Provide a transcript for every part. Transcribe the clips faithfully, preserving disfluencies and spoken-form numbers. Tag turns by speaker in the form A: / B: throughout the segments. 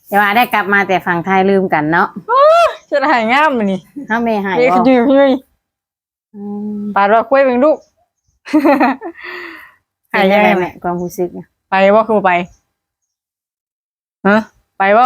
A: แต่ว่าได้กลับมาแต่ฝั่งไทยลืมกันเนาะ
B: จะหายงามมันนี่
A: เฮาแม่หาย
B: บ่นี่คือพี่ปาดว่าคุยเป็นลูก
A: หายยังไงแม่ความรู้สึก
B: ไปบ่คือไปฮะไปบ่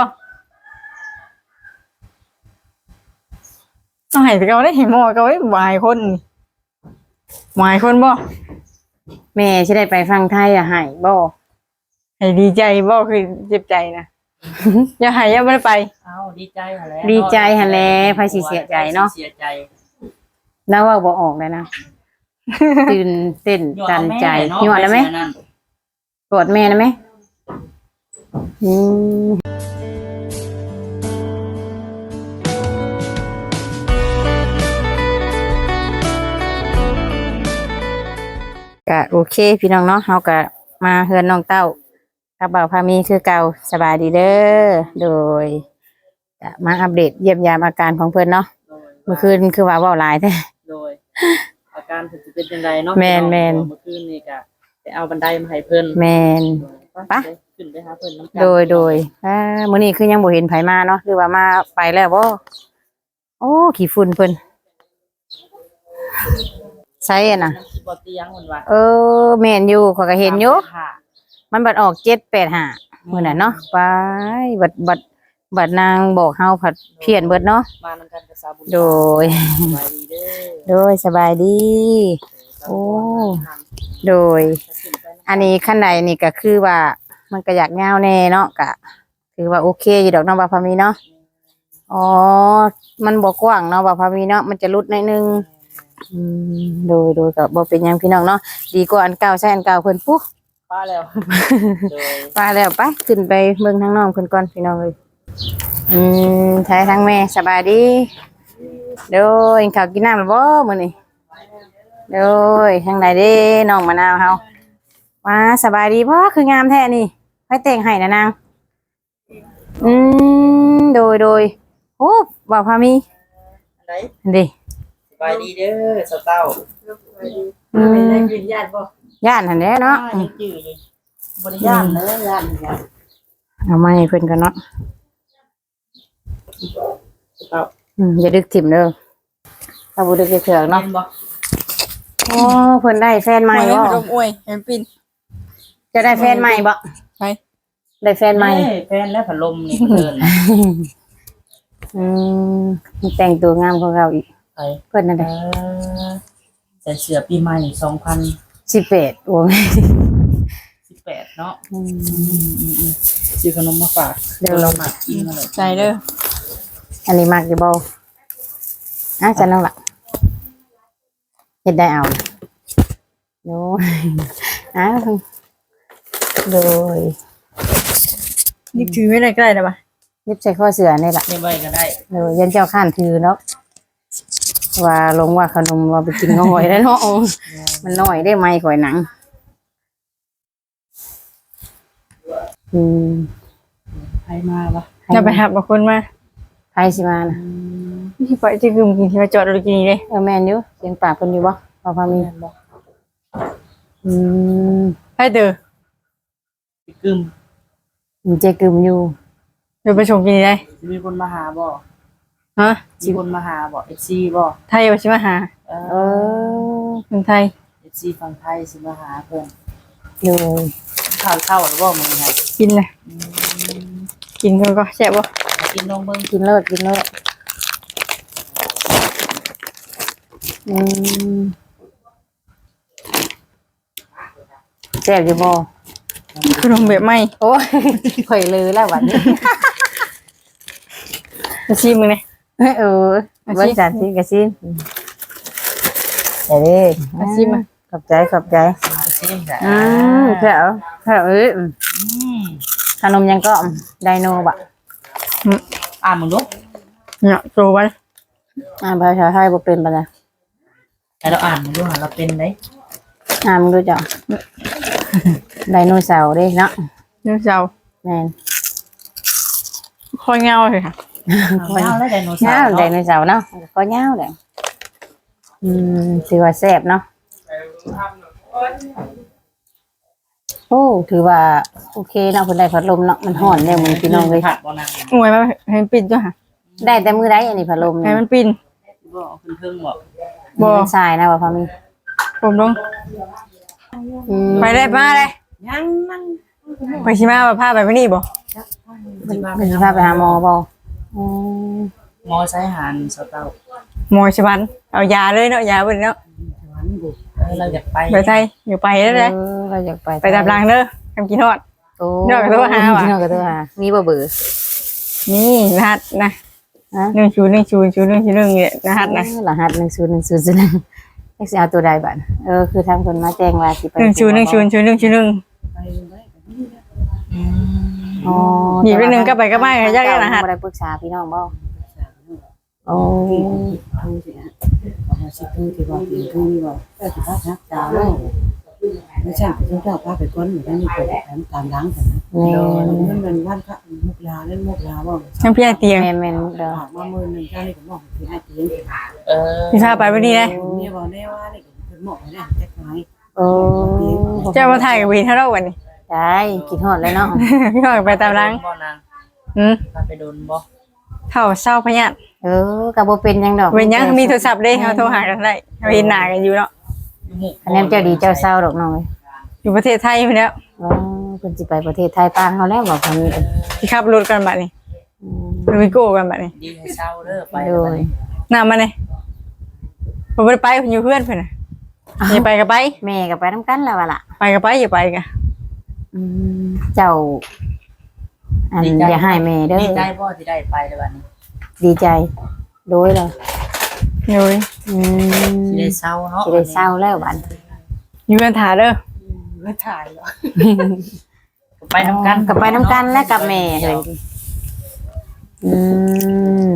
B: ต้องให้เขาได้เห็นหมอเขาไว้วายคนวายคนบ่
A: แม่สิได้ไปฝั่งไทยอ่ะหายบ่
B: ให้ดีใจบ่คือเจ็บใจนะอย่าหายอย่าไม่ไป
C: เอ้าดีใจหั่นแหละ
A: ดีใจหั่นแหละไผสิเสียใจเนาะ
C: เสียใจ
A: แล้วว่าบ่ออกเลยนะตื่นเต้นตันใจยั่วแล้วมั้ยกอดแม่นะมั้ยอืมก็โอเคพี่น้องเนาะเฮาก็มาเฮือนน้องเต้ากับบ่าวพามีคือเก่าสบายดีเด้อโดยจะมาอัปเดตเยี่ยมยามอาการของเพิ่นเนาะเมื่อคืนคือว่าเว้าหลายแท้
C: โดยอาการเพิ่นสิเป็นจังไดเนาะ
A: แม่นๆ
C: เมื่อคืนนี่ก็ไปเอาบันไดมาให้เพิ่น
A: แม่นปะ
C: ขึ้นไปหาเพิ่นนำกัน
A: โดยโดยอ่ามื้อนี้คือยังบ่เห็นไผมาเนาะหรือว่ามาไปแล้วบ่โอ้ขี้ฝุ่นเพิ่นใช่อ่ะน่ะ
C: บ่เตียงเพิ่นว่า
A: เออแม่นอยู่ข้อยก็เห็นอยู่มันบัดออกเจ็ด แปด ห้ามื้อนั้นเนาะไปบัดบัดบัดนางบอกเฮาผัดเพี้ยนเบิดเนาะ
C: มานำกันกับสาวบุญ
A: โดย
C: สบายดีเด้อ
A: โดยสบายดีโอ้โดยอันนี้ขั้นใดนี่ก็คือว่ามันก็อยากยาวแน่เนาะก็คือว่าโอเคอยู่ดอกเนาะบ่าวพามีเนาะอ๋อมันบ่กว้างเนาะบ่าวพามีเนาะมันจะรุดหน่อยนึงอืมโดยโดยก็บ่เป็นหยังพี่น้องเนาะดีกว่าอันเก่าใช้อันเก่าเพิ่นปุ๊
C: ป้าแล้วโดย
A: ป้าแล้วไปขึ้นไปเบิ่งทางน้องเพิ่นก่อนพี่น้องเอ้ยอืมใช้ทั้งแม่สบายดีโดยข้าวกินน้ำแล้วบ่มื้อนี้โดยทางใดเด้น้องมะนาวเฮามาสบายดีบ่คืองามแท้นี่ไผแต่งให้นะนางอืมโดยโดยโอ้บ่าวพามี
C: อันใด
A: อันดิ
C: สบายดีเด้อสาวเต้า
A: อืม
B: ได้กินญาติบ่
A: ย่านหั่นแหละเนาะ
C: ยังจื้ออยู่บ่ได้ย่านเด้อย่านย่าน
A: เอามาให้เพิ่นกันเนาะ
C: เต้า
A: อืมอย่าดึกถิ่มเด้อถ้าบ่ดึกจะเถือกเนาะโอ้เพิ่นได้แฟนใหม่บ่
B: ลมอวยแฮมปิน
A: จะได้แฟนใหม่บ่
B: ใช่
A: ได้แฟนใหม่
C: แฟนแล้วพัดลมนี่เพิ่น
A: อืมแต่งตัวงามของเราอีก
C: ไป
A: เพิ่นนั่นแหละ
C: ใส่เสื้อปีใหม่สองพัน
A: สิบแปดโอ้ย
C: สิบแปดเนาะอืมๆๆซื้อขนมมาฝากเดี๋ยวเรามากินนั่นแหละ
B: ใจเด้อ
A: อันนี้มักอยู่บ่อ่ะจันน้องล่ะเฮ็ดได้เอาโน้อ้าวโดย
B: นี่ถือไม่ได้ใกล้ได้ป่ะ
A: ยิบใส่ข้อเสือนี่ล่ะ
C: ไม่ไว้ก็ได้
A: เออยันเจ้าข้านถือเนาะว่าลงว่าขนมว่าไปกินน้อยได้เนาะมันน้อยได้ไหมข่อยหนังอืม
C: ใครมาวะ
B: จะไปหับบางคนมา
A: ใครสิมานะ
B: ที่ไปที่กึมกินที่มาจอดรถกินนี่เลย
A: เออแม่นอยู่เสียงปากคนอยู่บ่พอพามีอืม
B: ให้เด้อ
C: กึม
A: มันเจกึมอยู่
B: เดี๋ยวไปชมกินได้
C: มีคนมาหาบ่
B: ฮะ
C: มีคนมาหาบ่ เอฟ ซี บ่
B: ไทยว่าสิมาหา
A: เออ
B: คนไทย
C: เอฟ ซี ฝั่งไทยสิมาหาเพิ่น
A: อยู่
C: ข้าวเข้าแล้วบ่มื้อนี้
B: กินเลยกินก็ก็แซ่บบ่
C: กินลงเบิ่ง
A: กินเลิศกินเลิศอืมแซ่บอยู่บ่
B: ขนมแบบใหม่
A: โอ้ยข่อยลือแล้วบัดนี้
B: มาชิมมึงเลย
A: เออเบิ่งจันสิกะซิมเดี๋ยวดิ
B: มาชิมมา
A: ขอบใจขอบใจ
C: ซิมจ้ะ
A: อืมแถวแถวเอ้ยขนมยังก็ไดโนบะ
C: อ่านมึงลูก
B: เนี่ยโตวัน
A: อ่านภาษาไทยบ่เป็นปะนะ
C: แต่เราอ่านมึงดูหาเราเป็นได้
A: อ่านมึงดูจ้ะไดโนเสาร์ดิเนาะ
B: ไดโนเสาร์
A: แม่น
B: คอยเงาเลยค่ะ
C: เงาแล้วไดโนเสาร์
A: ไดโนเสาร์เนาะก็เงาเลยอืมถือว่าแซ่บเนาะโอ้อ้ถือว่าโอเคเนาะเพิ่นได้พัดลมเนาะมันร้อนแล้วมื้อพี่น้องเลย
C: ผัดบ่นาง
B: งวยมาให้มันปิดจ้ะค่ะ
A: ได้แต่มื้อใดอันนี้พัดลม
B: ให้
A: นี่
B: มันปิน
C: บ่เอาขึ้นเครื่องบ่
B: บ่
A: มันทรายนะว่าพอมี
B: ผมลง
A: อืม
B: ไปได้มาเลย
C: ยังนั่ง
B: ไปสิมาว่าพาไปมื้อนี้บ่
A: เพิ่นเพิ่นสิพาไปหาหมอบ่อืม
C: มอไซค์หานสเตา
B: หมอชวันเอายาเลยเนาะยาเบิ่นเนาะ
C: วันบุกเราอยากไป
B: ไปไทยอยู่ไปแล้วเลย
A: เออเราอยากไป
B: ไปตามหลังเด้อทำกินฮอด
A: โอ้
B: นอกจากโทรหาว่ะ
A: นอกจากโทรหามีบ่เบื่อ
B: นี่รหัสนะ
A: ฮะ
B: หนึ่งศูนย์หนึ่งศูนย์ศูนย์หนึ่งศูนย์หนึ่งเนี่ยรหัสนะ
A: รหัสหนึ่งศูนย์หนึ่งศูนย์ศูนย์หนึ่งเอ็กซ์เอาตัวใดบัดเออคือทางคนมาแจ้งว่าสิไป
B: หนึ่งศูนย์หนึ่งศูนย์ศูนย์หนึ่งศูนย์หนึ่ง
C: ไปเลยอืม
A: อ๋อ
B: หยิบไปหนึ่งก็ไปก็ไม่ค่ะยากๆรหัส
A: บ่ได้ปรึกษาพี่น้องบ่โอ้
D: ทูสิฮะเอามาสิทูที่บอกที่ทูนี่บอกเออที่พักนักดาวไม่ใช่ไปทุกเจ้าพาไปก้นเหมือนกันนี่ไปแถมตามล้างกันนะ
A: แม่น
D: มันเป็นบ้านพระมุกลาเล่นมุกลาบอก
B: น้ำพี่ไอเตียง
A: แม่นแม่นเด้อ
D: ฝากมาเมื่อหนึ่งเจ้านี่ผมบอกคือให้เตียง
C: เออ
B: พี่พาไปวันนี้นะ
D: เนี่ยบอกแน่ว่านี่เป็นหมอกนะแจ็คไม้
A: โอ้
B: เจ้ามาถ่ายกับวีเท่าเราวันนี้
A: ได้กินฮอดเลยเนาะ
B: พี่พาไปตามหลัง
C: บ่นาง
B: อืม
C: พาไปโดนบ่
B: เท่าเศร้าพญาต
A: เออก็บ่เป็นหยังดอก
B: เว้นยังมีโทรศัพท์ได้เขาโทรหากันได้เขาเห็นหน้ากันอยู่เนาะ
C: อยู่หมู่
A: คะแนนเจ้าดีเจ้าเศร้าดอกน้องเอ้ย
B: อยู่ประเทศไทยไปแล้ว
A: อ๋อเพิ่นสิไปประเทศไทยปางเฮาแล้วบอกเพิ่น
B: ที่ขับรถกันบัดนี้
A: อืม
B: รถวิโก้กันบัดนี้
C: ดีให้เศร้าเด้อไป
A: โดย
B: น้ามาเลยผมไม่ได้ไปผมอยู่เพื่อนเพื่อนน่ะอย่าไปก็ไป
A: แม่ก็ไปนำกันแล้วว่าล่ะ
B: ไปก็ไปอย่าไปกัน
A: อืมเจ้า อันอย่าให้แม่เด้อ
C: ดีใจบ่ที่ได้ไปในวันนี้
A: ดีใจโดยเลย
B: อยู่
A: อืม
C: สิได้เศร้าเนาะ
A: สิได้เศร้าแล้วบัด
B: อยู่กันถาเด้อ
D: เมื่อถ่ายเหรอ
C: ไปนำกัน
A: กับไปน้ำกันและกับแม่เลยอืม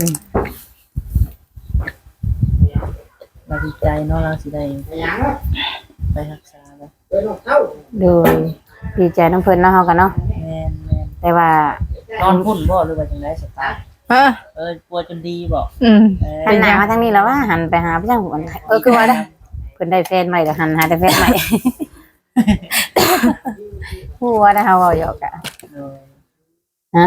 C: เราดีใจเนาะเราสิได้ไปรักษาแล้ว
A: โดยดีใจน้ำเพิ่นเนาะเฮากันเนาะ
C: แม่นแม่น
A: แต่ว่า
C: นอนพุ่นบ่หรือว่าจังได๋สตาร์
B: เออ
C: เออปัวจนดีบ่
B: อืม
C: เออ
A: หันหน้ามาทางนี้แล้วว่าหันไปหาพี่จังหวนเออคือว่าได้อเพิ่นได้แฟนใหม่แล้วหันหาแต่แฟนใหม่ ฮู้ว่าได้เฮาเว้าหยอกอะ
C: เออ
A: ฮะ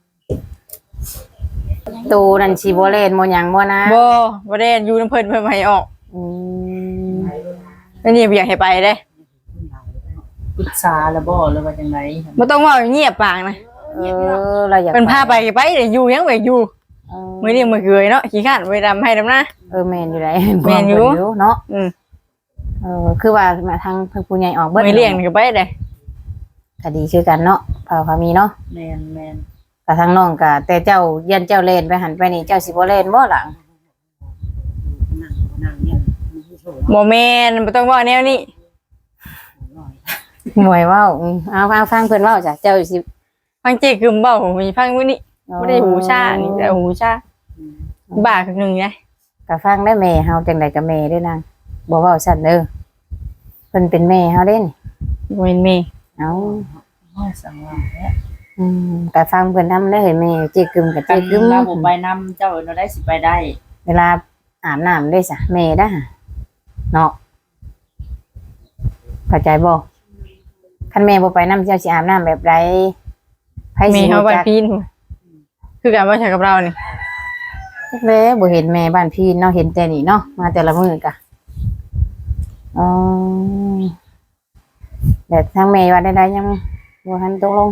A: ตูนั่นสิบ่เล่นบ่หยังบ่นะ
B: บ่บ่ได้อยู่น้ำเพิ่นเพิ่นมาให้ออก
A: อืม
B: แล้วนี่บ่อยากให้ไปเด้
C: ปรึกษาแล้วบ่หรือว่าจังได๋
B: บ่ต้องเว้าเงียบปากนะ
A: เออเราอยาก
B: เพิ่นพาไปก็ไปเด้อยู่ยังบ่อยู่
A: เออ
B: มื้อนี้มื้อเกยเนาะขี้ข้านไปดำให้ดำนะ
A: เออแม่นอยู่ได้
B: แม่นอยู่
A: เนาะ
B: อืม
A: เออคือว่ามาทางทางผู้ใหญ่ออกเบิด
B: มื้อเลี้ยงนี่ก็ไปเด้
A: ก็ดีคือกันเนาะพาพามีเนาะ
C: แม่นแม่น
A: ก็ทางน้องก็แต่เจ้าเยันเจ้าเล่นไปหันไปนี่เจ้าสิบ่เล่นบ่หลัง
D: นั่งนั่งเนี่ยมันไม่โชว์
B: บ่แม่นบ่ต้องเว้าแนวนี้
A: หมวยเว้าอืมเอาฟังฟังเพิ่นเว้าจ้ะเจ้าสิ
B: ฟังเจ๊กึมเว้าผมมีฟังมื้อนี้บ่ได้หูชานี่แต่หูชาบ้าคือหนึงไง
A: ก็ฟังได้แม่เฮาจังได๋ก็แม่เด้อนางบ่เว้าซั่นเด้อเพิ่นเป็นแม่เฮาเด้นี่
B: บ่แม่นแม่
A: เอ้า
C: ห้อยสังว่าแท้
A: อืมก็ฟังเพิ่นนำได้อเห็นแม่เจ๊กึมกับ
C: กั
A: เจ๊
C: น
A: กึม
C: เราบ่ไปนำเจ้าเราได้สิไปได้
A: เวลาอาบน้ำได้ซะแม่เด้อเนาะเข้าใจบ่คันแม่บ่ไปนำเจ้าสิอาบน้ำแบบใดไผ
B: แม่
A: สิ
B: เฮา
A: รู้
B: บ้าน
A: จัก
B: พีนคือกันบ่ใช่กับเรานี่
A: แม่บ่เห็นแม่บ้านพี่เนาะเห็นแต่นี่เนาะมาแต่ละมื้อกะอ๋อแต่ทางแม่ว่าได้ๆยังบ่ทันตกลง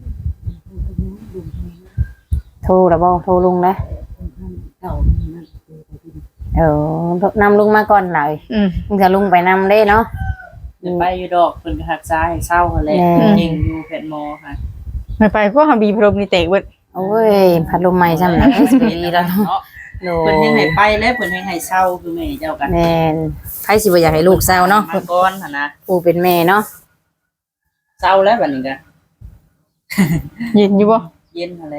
A: โทรแล้วบ่โทรลุงแล้ว
D: เก่านั่น
A: เออนำลุงมาก่อนหน่อย
B: อืม
A: มึงจะลุงไปนำได้เนาะ
C: เดี๋ยวไปอยู่ดอกเพิ่นก็รักษาให้เศร้าหั่นแหละ
A: แม่
C: จริงอยู่แพทย์หมอค่ะ
B: ไปไปก็หาบีพรมนี่เตะเบิด
A: โอ้ยพัดลมใหม่ซ้ำนะสิบปีแล้วเนาะ
C: เนาะ
A: โด
C: เพิ่นยังให้ไปแล้วเพิ่นยังให้เศร้าคือแม่เจ้ากัน
A: แม่นใครสิบ่อยากให้ลูกเศร้าเนาะ
C: มาก่อนหั่นนะ
A: ผู้เป็นแม่เนาะ
C: เศร้าแล้วบัดนี้ก็
B: เย็นอยู่บ่
C: เย็นหั่นแหละ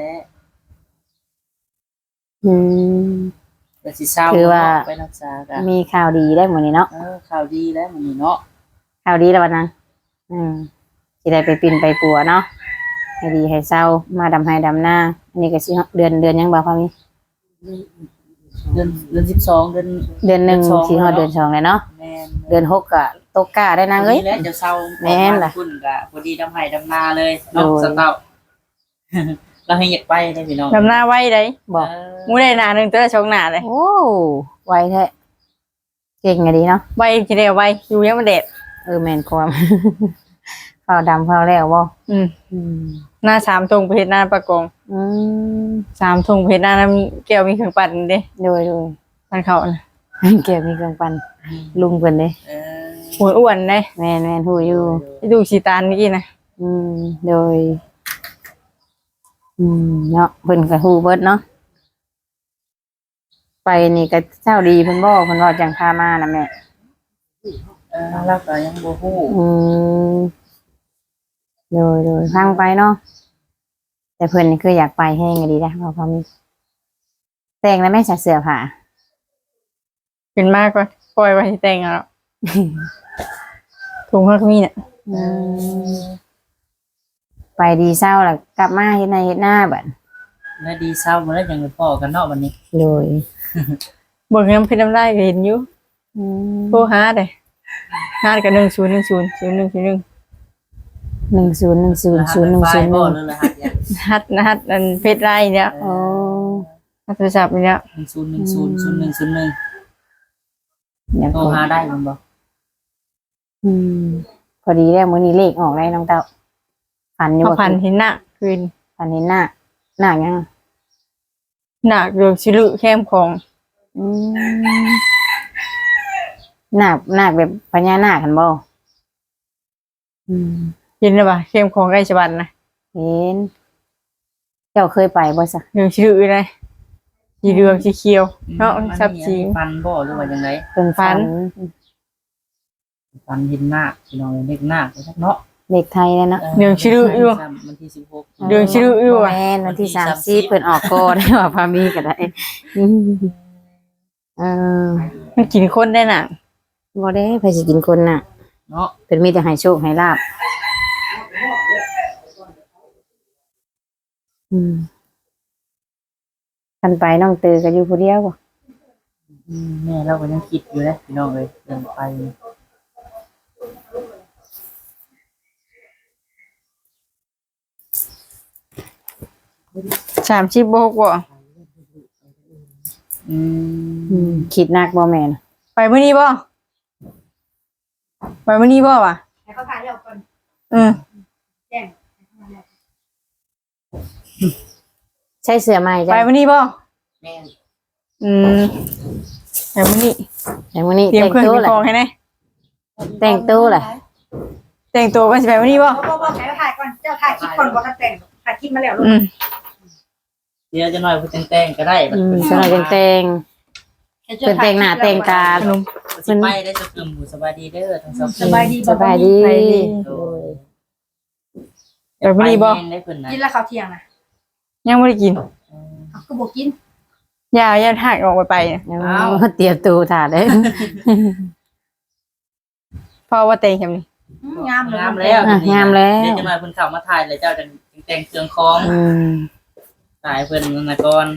A: อืม
C: ก็สิเศร้า
A: คือว่า
C: ไปรักษากัน
A: มีข่าวดีได้หมดนี่เนาะ
C: เออข่าวดีแล้วมื้อนี้เนาะ
A: ข่าวดีแล้ววันนั้นอืมสิได้ไปปินไปปัวเนาะให้ดีให้เศร้ามาดำให้ดำหน้าอันนี้ก็สิเดือนเดือนยังบ่พอมี
C: เดือนเดือนสิบสองเดือน
A: เดือนหนึ่งสิฮอดเดือนสองเลยเนาะ
C: แม่น
A: เดือนหกก็ตกกาได้นางเอ้ย
C: แล้วจะเศร้า
A: แม่นล่ะ
C: คุณก็พอดีดำไห้ดำนาเลยเนาะ
A: โอ้ย
C: สเตา เราให้อยากไปได้พี่น้อง
B: ดำหน้าไว้ได้
A: บอก
C: เออ
B: มูได้หนาหนึงตัวละสองหน้าเลย
A: โอ้ไวแท้เก่งอะดีเนาะ
B: ไว้ทีเดียวไว้อยู่ยังมันเด็ด
A: เออแม่นความ เฝ้าดำเฝ้าแล้วบ่
B: อืม
A: อืม
B: หน้าสามทงเพชรหน้าประกง
A: อืม
B: สามทงเพชรหน้าน้ำแก้วมีเครื่องปั่นเด้
A: โดยโดย
B: มันเขาน่ะ
A: เก็บมีเครื่องปั่นลุงเพิ่นเด้
C: เออ
B: หัวอ้วนเด้
A: แม่นแม่นฮู้อยู่
B: ไปดูสีตาลเมื่อกี้นะ
A: อืมโดย อืมเนาะเพิ่นก็ฮู้เบิดเนาะไปนี่ก็เจ้าดีเพิ่นบ่เพิ่นว่าจังพามานะแม่
C: เออเราก็ยังบ่ฮู้
A: อืมโดยโดยฟังไปเนาะแต่เพิ่นนี่คืออยากไปแห้งก็ดีนะเพราะเขามีแต่งแล้วแม่ใส่เสื้อผ้า
B: เป็นมากกว่าปล่อยไว้ให้แต่งเอาแล้วถุงเขาก็มีเนี่ย
A: อืมไปดีเศร้าแล้วกลับมาเฮ็ดในเฮ็ดหน้าบัด
C: แล้วดีเศร้าบ่แล้วยังไปพ้อกันเนาะวันนี้
A: โดย
B: เบิกน้ำเพชรน้ำได้ก็เห็นอยู่
A: อืม
B: โทรหาเด้หากับหนึ่งศูนย์หนึ่งศูนย์ศูนย์หนึ่งศูนย์หนึ่ง
A: หนึ่งศูนย์หนึ่งศูนย์ศูนย์หนึ่งศูนย์ห
C: บ่
A: นึ่ง
C: หรือรหัสยัง
B: ฮัดนะฮัดอันเพชรไรเนี่ย
A: โอ้
B: ฮัดโทรศัพท์เนี่ย
C: หนึ่งศูนย์หนึ่งศูนย์ศูนย์หนึ่งศูนย์หนึ่ง
A: อยาก
C: โทรหาได้มันบ่
A: อืมพอดีแล้วมื้อนี้เลขออกแล้วน้องเต้าฝันอยู่
B: พอ
A: บ่
B: พันเห็นหน้าคืน
A: ฝันเห็นหน้าหน้ายัง
B: หนักเดือดชิลุแคมของ
A: อืมหน้าหน้าแบบพญานาคกันบ่อืม
B: เห็นหรือเปล่าเข้มของใกล้ฉบันนะ
A: เห็นเจ้าเคยไปบ่ซะ
B: เดือดชิลุเลยสีเหลืองสีเขียวเนาะชับสี
C: ฟันบ่หรือว่าจังได
A: เป็นฝัน
C: ฟันเห็นหน้าพี่น้องเล็กหน้าไปจักเนาะ
A: เด็กไทยแล้วเนาะ
B: เดือดชิลุอยู่
C: วันที่สิบหก
B: เดือนชื่ออยู่อะ
A: แม่นวันที่สามสิบเพิ่นออกก่อน ว่าพามีก็ได้อืมเออ
B: มันกินคนได้น่ะ
A: บ่ได้ไผสิกินคนน่ะ
C: เนาะ
A: เพิ่นมีแต่ให้โชคให้ลาบอืมกันไปน้องตือก็อยู่ผู้เดียวบ่
C: อืมแม่เราก็ยังคิดอยู่เลยพี่น้องเลยเดินไป
B: สามชิบโบกบ่
C: อื
A: อื
C: ม
A: มคิดหนักบ่แม่น
B: ไปมื้อนี้บ่ไปมื้อนี้บ่วะ
E: ให้เขาถ่ายเร็วก่อน
B: อืม
E: แจ้ง
A: ใช้เสื้อใหม่
B: ไป
A: จ้ะ
B: มื้อนี้บ่
C: แม่
B: อืมไปมื้อนี้
A: แต่มื้อนี้
B: เตรียม
A: แต่ง
B: เครื่อง
A: ตัว
B: เตรียม
A: แหละ
B: ของให้แน่
A: แต่งตัวแหละ
B: แต่งตัวกันสิไปมื้อนี้บ่
E: บอกบอกบอกให้เขาถ่ายก่อนเจ้าถ่ายคลิปก่อนบอกกันแต่งถ่ายคลิปมาแล้วลูก
B: อืม
C: เดี๋ยวจะหน่อยพูดแต่งๆก็ได้
A: อืมสำหรับแต่งๆเพิ่นแต่งหน้าแต่งตา
B: ขนม
C: สิไปได้จะกึ่มหูสบายดีเด้อทั้งสอง
E: สบายดี
A: สบายดี
B: ไปดี
C: โดย
B: ไปมื้อนี้บ่
C: แม่ได้เพิ่นนะ
E: กินแล้วข้าวเที่ยงนะ
B: ยังบ่ได้กิน
E: เขาก็บอกกิน
B: อย่าอย่าหักออกไปไปนะ
A: เอาเตรียมตัวถ่าเด้อ
B: เพราะว่าแต่งแค่นี้
E: อืมงามเลย
C: งามแล้ว
A: อ่ะงามแล้ว
C: เดี๋ยวจะหน่อยเพิ่นเข้ามาถ่ายเลยเจ้าจังแต่งเครื่องคอง
A: อืม
C: ถ่ายเพิ่นนั่นนะก่อน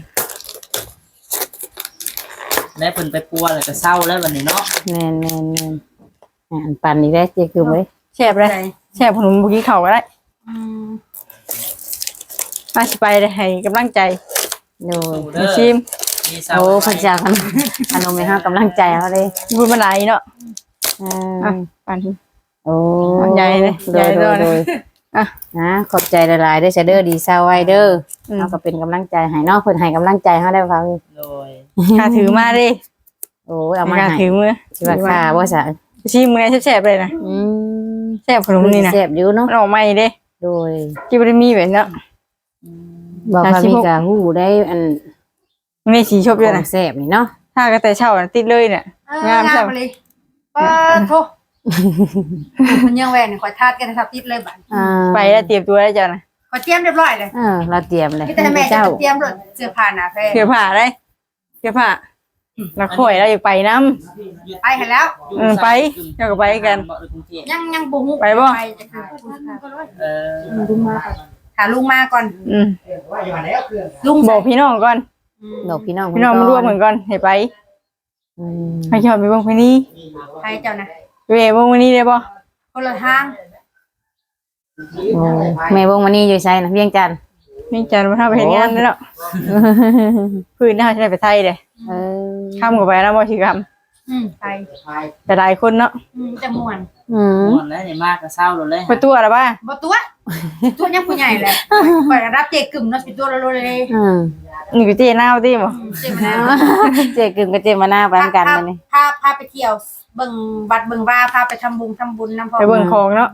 C: แล้วเพิ่นไปปัวแล้วก็เศร้าแล้ววันนี้เนาะ
A: แม่นแม่นแม่นอ่านปันอีกแล้วเจ๊คือบ่ได้
B: แซ่บเลยแซ่บขนมบ่กินข้าวก็ได้
E: อืม
B: มาสิไปได้ให้กำลังใจ
A: โดย
C: สู้เด้
B: มา
C: อ
B: ชิม
C: มีเศร้า
A: โอ้พระเจ้าขนมขนมให้เฮากำลังใจเฮาเด้
B: พูดมาหลายเนาะ
A: อ่
B: อ่ะ
A: า
B: ปานนี้
A: โอ้
B: ใหญ่เลย
A: โดย
B: ใหญ่
A: โด
B: เลย ย
A: โดย
B: อ่ะ
A: นะขอบใจหลายๆเด้อเซเด้อดีเศร้าไว้เด้อ
B: อืม
A: เฮาก็เป็นกำลังใจให้เนาะเพิ่นให้กำลังใจเฮาได้ฟัง
C: โดย
B: ข้าถือมาดิ
A: โอ้ยเอามา
B: ข้า
A: ให้
B: ถือมือ
A: สิว่าค่าบ่ซะ
B: ชิมมือแซ่บๆเลยนะ
A: อืม
B: แซ่บขนมนี่นะ
A: แซ่บอยู่เนาะ
B: มันออกใหม่เด้
A: โดย
B: ที่บ่ได้มีแบบเนาะ
A: บอกว่า
B: สามสิบ
A: มี
B: หก
A: กะฮู้ได้อัน
B: มันได้สีชบ
A: ข
B: ด้วย
A: อง
B: นะ
A: แซ่บนี่เนาะ
B: ถ้าก็แต่เช้าน่ะติดเลยเนี่ย
E: เออง
B: าม
E: งา
B: ใช่
E: ม
B: ไหม
E: เลยป้าโทมันยังแหวนคอยทาดกันทับติดเลยบัด
A: อ่า
B: ไปแล้วเตรียมตัวแล้วจ้ะนะ
E: คอยเตรียมเรียบร้อยเลย
A: เออเราเตรียมเลย
E: พี่แต่แม่จะ
A: เจ้า
E: เตรียมรถเสื้อผ้าหนาแพร
B: เสื้อผ้าได้เสื้อผ้าแล้วข่อยแล้วอยากไปน้
E: ไปเห็นแล้ว
B: ำเออไปเจ้าก็ไปกัน
E: ยังยังบุหุ
B: ไปบ่
E: ไปจะคือ
C: เออ
E: หาลุงมาก่อน
B: อืม
E: ลุง
B: บอกพี่น้องก่อน
A: บอกพี่น้อง
B: พี่น้องมาร่วมเหมือนกันให้ไป
A: อืม
B: ให้ชอบไปเบิ่งเพลงนี้
E: ใครเจ้านะ
B: เวยเบิ่งวันนี้ได้บ่
E: คนละทาง
A: โอ้แม่วงวันนี้อยู่ไสนะเวียงจันทน์
B: นี่จันมาทำไปเฮ็ดงานได้แล้วพื้นหน้าจะได้ไปไทยเด้
A: เออ
B: ข้ามกับไปแล้วบ่สิกรรม
E: อืมไป
B: แต่หลายคนเนาะ
E: อืมจะม่วน
A: อืม
C: ม่วนแล้วนี่มากก็เศร้าเลย
B: ไปตัวละบ้า
E: บ่ตัวตัวยังผู้ใหญ่แหละไปรับเจกึ่มเนาะสิตัวละโลเลย
A: อืม
B: นี่กูเจนาวติบ่
E: อืมเจมะนาว
A: เจกึ่งกับเจมาหน้าไปนำกันมานี่
E: พาพาไปเที่ยวเบิ่งวัดเบิ่งว่าพาไปทำบุญทำบุญนำพ่อ
B: ไปเบิ่งของเนาะ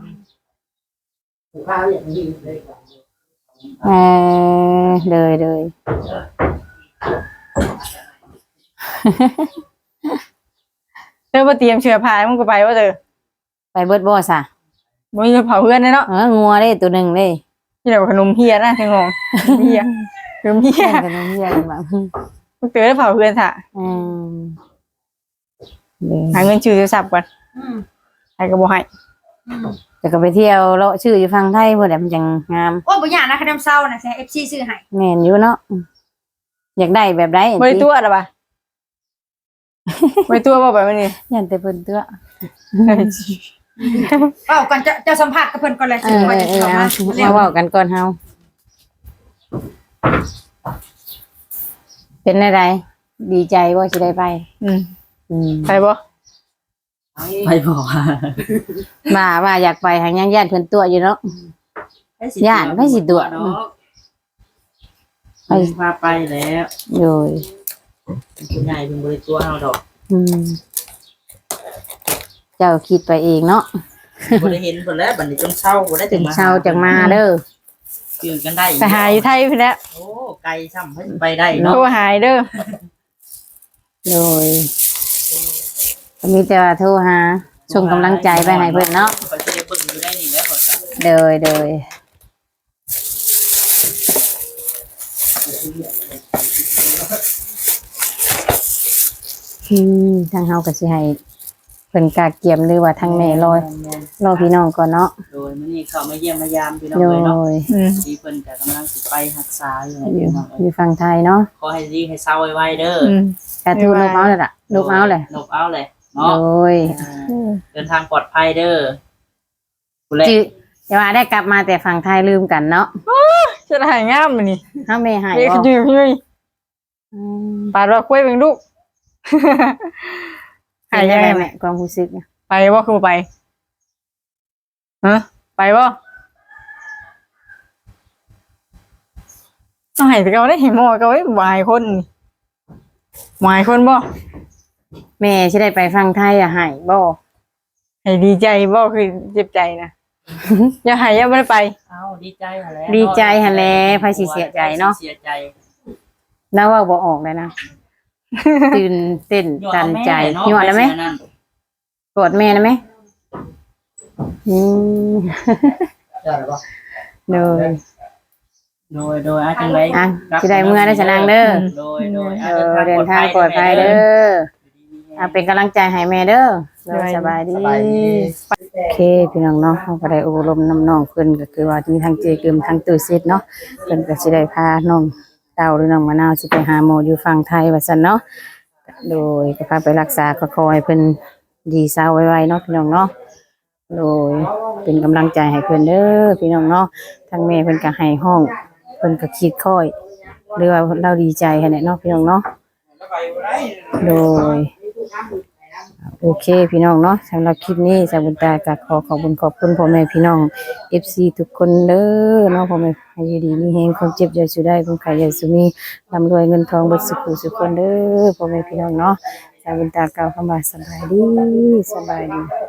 A: เออเลยเลย
B: เธอบ่เตรียมเสื้อผ้ามึงก็ไปว่าเด้อ
A: ไปเบิดบ่ซะ
B: บ่มีเผาเพื่อนเนาะ
A: เอองัวเด้ตัวหนึงเด้
B: ที่เดี๋ยวขนมเฮียนะทั้งงงเฮียขนมเฮีย
A: แข่งกันน้องเฮียกันบ้าง
B: มึงเตือนเผาเพื่อนซะ
A: อืมเด้
B: หาเงินชื่อโทรศัพท์ก่อน
E: อืม
B: ให้ก็บ่ให้
E: อืม
A: แต่ก็ไปเที่ยวเลาะชื่ออยู่ฝั่งไทยพุ่นแหละมันจังงาม
E: โอ้ยบ่ยากนะคะน้ำเศร้านะสิ เอฟ ซี ซื้อให้
A: แม่นอยู่เนาะอืมอยากได้แบบใด
B: บ่ได้ตัวล่ะบ่บ่ได้ตัวบ่ไปมื้อนี้
A: ยันแต่เพิ่นตัว
E: เอ้าก่อนจะจะสัมภาษณ์กับเพิ่นก่อนเลย
A: เอ
E: สิ
A: อ
E: ว่า
A: เอ
E: จะ
A: อ
E: เข้า
A: เอา
E: มาเร็
A: มาว เว้ากันก่อนเฮาเป็นอะไรดีใจบ่สิได้ไป
B: อืม
A: อืม
B: ไปบ่
C: ไปบอกว่า
A: มาว่าอยากไปหางยังญาติเพิ่นตัวอยู่เนาะ ย่านไม่สิตัว
C: เนาะไปพาไปแล้ว
A: โดย
C: คุณใหญ่เป็นบริตัวเอาดอก
A: อืมเจ้าคิดไปเองเนาะ
C: บ่ได้เห็นเพิ่นแล้วบัดนี้จนเช้าบ่ได้
A: ถึ
C: ถึ
A: ง
C: งมา
A: เช้าจังมาเด้อ
C: คือกันได้
B: ไปหาอยู่ไทยพุ่นแหล้ว
C: โอ้ไกลซ้ำเพิ่นไปได้
B: โทร
C: เนาะ
B: หายเด้อ
A: โดยก็มีแต่ว่าโทรหาส่งกำลังใจไปให้เพิ่นเนาะ
C: ไปสิได้เบิ่งอยู่ได้นี่แหล้วเพิ่นน่ะ
A: โดยโดยอืมทางเฮาก็สิให้เพิ่นกาเกียมหรือว่าทางแม่รอรอพี่น้องก่อนเนาะ
C: โดยมื้อนี้เข้ามาเยี่ยมมายามพี่น้อง
A: โด
C: เลยเนาะ
A: ย
B: อืม
C: ที่เพิ่นก็กำลังสิไปรักษาอยู่
A: อ
C: พี่
A: ยู่
C: น้อง
A: อ
C: เอ้ย
A: ยู่ฝั่งไทยเนาะ
C: ขอให้ดีให้เศร้าไวๆเด้อ
B: อืม
A: กระทูลูกเมาส์เลยล่ะลูกเมาส์เลย
C: นกเอาเลย
A: โด
C: เนาะ
A: ย
C: เดินทางปลอดภัยเด้อผู้เล่น
A: จืจะว่าได้กลับมาแต่ฝั่งไทยลืมกันเนาะ
B: จะได้หายงามมื้อนี้
A: เฮาไม่หาย
B: เด็ก
A: บ่
B: อยู่พี่
A: อืม
B: ปาดว่าคุยเบิ่งลูก หาย
A: เป็น
B: ยั
A: ยังง
B: ไง
A: ไง
B: แม่
A: แม่ความรู้สึกเนี่ย
B: ไปบ่คือบ่ไปฮะไปบ่ต้องให้แต่เขาได้เห็นหมอก็ไว้วายคนนี่วายคนบ่
A: แม่สิได้ไปฝั่งไทยอะหายบ่
B: ให้ดีใจบ่คือเจ็บใจนะ อย่าให้อย่าบ่ได้ไป
C: เอาดีใจหั่นแหละ
A: ดีใจหั่นแหละไผสิเสียใจเนาะ
C: เสียใจ
A: แล้วเว่าบ่ออกเลยนะ ตื่นเต้นตันใจหยอดแล้วไหมกดแม่นะไหมอืมโดย
C: โดยโดยอาจังไร
A: อ่ะสิได้เมื่อได้สนางเด้อ
C: โดยโดย
A: เออเดินทางปลอดภัยเด้ออ่ะเป็นกำลังใจให้แม่เด้อโดยสบายดีโอเคพี่น้องเนาะเราก็ได้อบรมน้ำน้องเพิ่นก็คือว่ามีทั้งเจกึมทั้งตู้ซิดเนาะเพิ่นก็สิได้พาน้องเต้าหรือน้องมะนาวสิไปหาหมออยู่ฝั่งไทยว่าซั่นเนาะโดยก็พาไปรักษาก็ขอให้เพิ่นดีเศร้าไวๆเนาะพี่น้องเนาะโดยเป็นกำลังใจให้เพิ่นเด้อพี่น้องเนาะทางแม่เพิ่นก็ให้ห้องเพิ่นก็คิดค่อยหรือว่าเราดีใจให้แหละเนาะพี่น้องเนาะโดยโอเคพี่น้องเนาะสำหรับคลิปนี้สาวบุญตาก็ขอขอบคุณขอบคุณพ่อแม่พี่น้อง เอฟ ซี ทุกคนเด้อเนาะพ่อแม่ให้อยู่ดีมีแฮงความเจ็บอย่าสุได้ความไข้อย่าสุมีร่ำรวยเงินทองเบิดสุขสุขคนเด้อพ่อแม่พี่น้องเนาะสาวบุญตากล่าวคำว่าสบายดีสบายดี